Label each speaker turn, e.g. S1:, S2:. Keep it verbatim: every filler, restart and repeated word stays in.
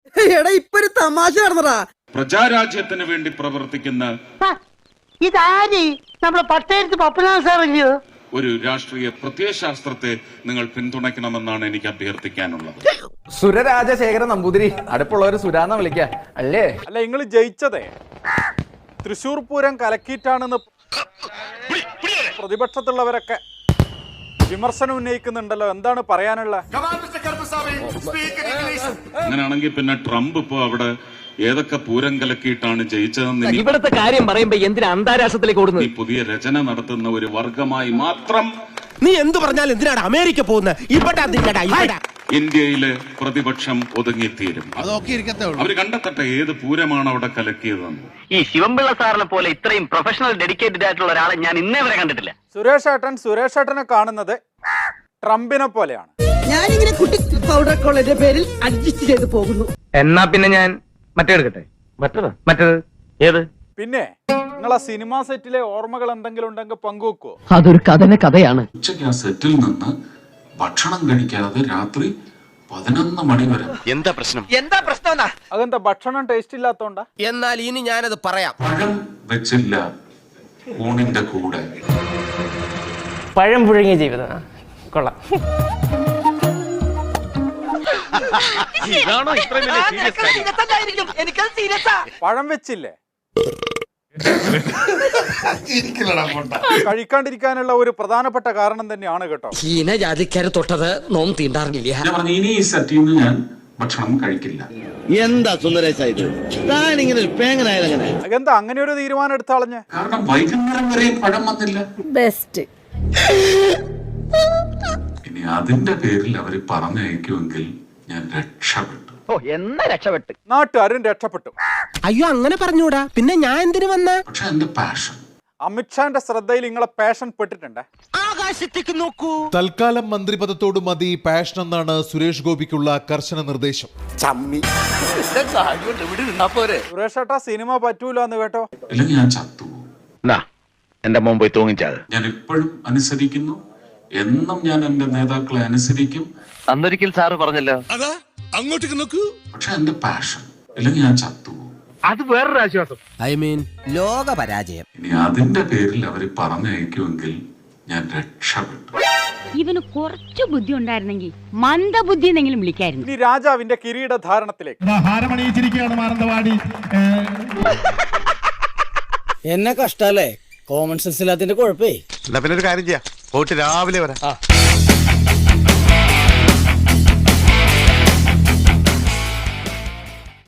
S1: എടാ ഇപ്പൊ ഒരു തമാശ നടന്നടാ.
S2: പ്രജാരാജ്യത്തിന് വേണ്ടി പ്രവർത്തിക്കുന്ന
S3: ഇതാരി നമ്മളെ പട്ടേരത്ത് പപ്പനാഥ സാറല്ലയോ?
S2: ഒരു രാഷ്ട്രീയ പ്രത്യയശാസ്ത്രത്തെ നിങ്ങൾ പിന്തുണയ്ക്കണമെന്നാണ് എനിക്ക് അഭ്യർത്ഥിക്കാനുള്ളത്.
S4: സുരരാജശേഖരൻ നമ്പൂതിരി, അടുപ്പുള്ളവര് സുരാന്ന വിളിക്ക അല്ലേ?
S5: അല്ല, നിങ്ങൾ ജയിച്ചതേ തൃശൂർ പൂരം കലക്കിയിട്ടാണെന്ന് പ്രതിപക്ഷത്തുള്ളവരൊക്കെ വിമർശനം ഉന്നയിക്കുന്നുണ്ടല്ലോ. എന്താണ് പറയാനുള്ള?
S2: അങ്ങനെയാണെങ്കിൽ പിന്നെ ട്രംപ് ഇപ്പോ അവിടെ ഏതൊക്കെ പൂരം കലക്കിയിട്ടാണ് ജയിച്ചതെന്ന്
S6: ഇവിടുത്തെ കാര്യം പറയുമ്പോ എന്തിനാ അന്താരാഷ്ട്രത്തിലേക്ക് ഓടുന്നത്?
S2: ഈ പുതിയ രചന നടത്തുന്ന ഒരു വർഗമായി മാത്രം
S7: നീ എന്ത് പറഞ്ഞാലും എന്തിനാണ് അമേരിക്ക പോകുന്നത്?
S2: ഇന്ത്യയിലെ പ്രതിപക്ഷം ഒതുങ്ങിത്തീരും. അവർ കണ്ടെത്തട്ടെ ഏത് പൂരമാണ് അവിടെ കലക്കിയതെന്ന്.
S6: ഈ ശിവൻപിള്ള സാറിനെ പോലെ ഇത്രയും പ്രൊഫഷണൽ ഡെഡിക്കേറ്റഡ് ആയിട്ടുള്ള ഒരാളെ ഞാൻ ഇന്നേ വരെ കണ്ടിട്ടില്ല.
S5: സുരേഷ് ഏട്ടൻ സുരേഷ് ഏട്ടനെ കാണുന്നത് ട്രംപിനെ പോലെയാണ്.
S1: ഞാനിങ്ങനെ കുട്ടി പൗഡർ കോളേജിന്റെ പേരിൽ അഡ്ജസ്റ്റ് ചെയ്ത് പോകുന്നു.
S6: എന്നാ പിന്നെ ഞാൻ മറ്റേ എടുക്കട്ടെ. മറ്റേത് മറ്റേത് ഏത്?
S5: പിന്നെ നിങ്ങൾ ആ സിനിമാ സെറ്റിലെ ഓർമ്മകൾ എന്തെങ്കിലും ഉണ്ടെങ്കിൽ പങ്കുവെക്കോ?
S6: അതൊരു കഥന കഥയാണ്.
S2: ഉച്ചയ്ക്ക് ആ സെറ്റിൽ നിന്ന് ഭക്ഷണം കഴിക്കാതെ രാത്രി പതിനൊന്ന് മണി വരെ.
S7: എന്താ പ്രശ്നം?
S3: എന്താ പ്രശ്നം?
S5: അതെന്താ ഭക്ഷണം ടേസ്റ്റ് ഇല്ലാത്തോണ്ടാ?
S7: എന്നാൽ ഇനി ഞാനത് പറയാം.
S2: പഴം വെച്ചില്ല ഊണിന്റെ കൂടെ.
S6: പഴം പുഴുങ്ങിയ ജീവിതം കൊള്ളാം.
S5: പഴം വെച്ചില്ലേ കഴിക്കാണ്ടിരിക്കാനുള്ള ഒരു പ്രധാനപ്പെട്ട കാരണം തന്നെയാണ് കേട്ടോ.
S6: ജാതിക്കാരെ തൊട്ടത് നോം തീണ്ടാറില്ല.
S2: ഞാൻ പറഞ്ഞു ഇനി ഈ സെറ്റിൽ നിന്ന് ഞാൻ ഭക്ഷണം കഴിക്കില്ല.
S8: എന്താ സുന്ദരേശ ഇത്? താൻ ഇങ്ങനെ ഒരു പേങ്ങനായാലെങ്ങനെ?
S5: എന്താ അങ്ങനെ ഒരു തീരുമാനം എടുത്താളഞ്ഞ്?
S2: കാരണം വൈകുന്നേരം വരെയും പഴം വന്നില്ല.
S1: ബെസ്റ്റ്.
S2: ഇനി അതിന്റെ പേരിൽ അവര് പറഞ്ഞയക്കുമെങ്കിൽ ഞാൻ രക്ഷപ്പെട്ടു.
S6: ഓ എന്നാ രക്ഷപ്പെട്ടു.
S5: നാട്ടുകാരും രക്ഷപ്പെട്ടു.
S7: അയ്യോ അങ്ങനെ പറഞ്ഞൂടാ, പിന്നെ ഞാൻ എന്തിനു വന്ന?
S2: പക്ഷെ എന്റെ പാഷൻ
S5: അമിത്ഷാന്റെ ശ്രദ്ധയിൽ നിങ്ങളെ പാഷൻ പെട്ടിട്ടുണ്ട്.
S7: ആകാശത്തേക്ക് നോക്കൂ.
S9: തൽക്കാലം മന്ത്രിപദത്തോട് മതി പാഷൻ എന്നാണ് സുരേഷ് ഗോപിക്കുള്ള കർശന നിർദ്ദേശം.
S5: സുരേഷ് ഏട്ടാ സിനിമ പറ്റൂല എന്ന് കേട്ടോ.
S2: ഇല്ലെങ്കിൽ ഞാൻ ചത്തുപോകും.
S6: എന്റെ മോൻ പോയി തൂങ്ങിച്ചത്.
S2: ഞാൻ ഇപ്പോഴും അനുസരിക്കുന്നു. എന്നും ഞാൻ എന്റെ നേതാക്കളെ അനുസരിക്കും.
S6: അന്നൊരിക്കൽ സാറ് പറഞ്ഞല്ലോ
S8: അതാ അങ്ങോട്ടേക്ക് നോക്കൂ.
S2: പക്ഷെ എന്റെ പാഷൻ ഇല്ലെങ്കിൽ ഞാൻ ചത്തുപോകും.
S6: അത് വേറൊരു ആശ്വാസം.
S7: ഐ മീൻ ലോക പരാജയം.
S2: ഇനി അതിന്റെ പേരിൽ അവര് പറഞ്ഞയക്കുമെങ്കിൽ ഞാൻ രക്ഷപ്പെട്ടു.
S10: ഇവന് കുറച്ചു ബുദ്ധി ഉണ്ടായിരുന്നെങ്കിൽ മന്ദബുദ്ധി എന്നെങ്കിലും വിളിക്കായിരുന്നു.
S5: ഇനി രാജാവിന്റെ കിരീടധാരണത്തിലേക്ക്.
S1: എന്നെ കഷ്ടല്ലേ? Common sense ഇല്ലാത്തതിന്റെ കുഴപ്പേ.
S8: എന്നാ പിന്നെ ഒരു കാര്യം ചെയ്യാം, പോയിട്ട് രാവിലെ വരാം.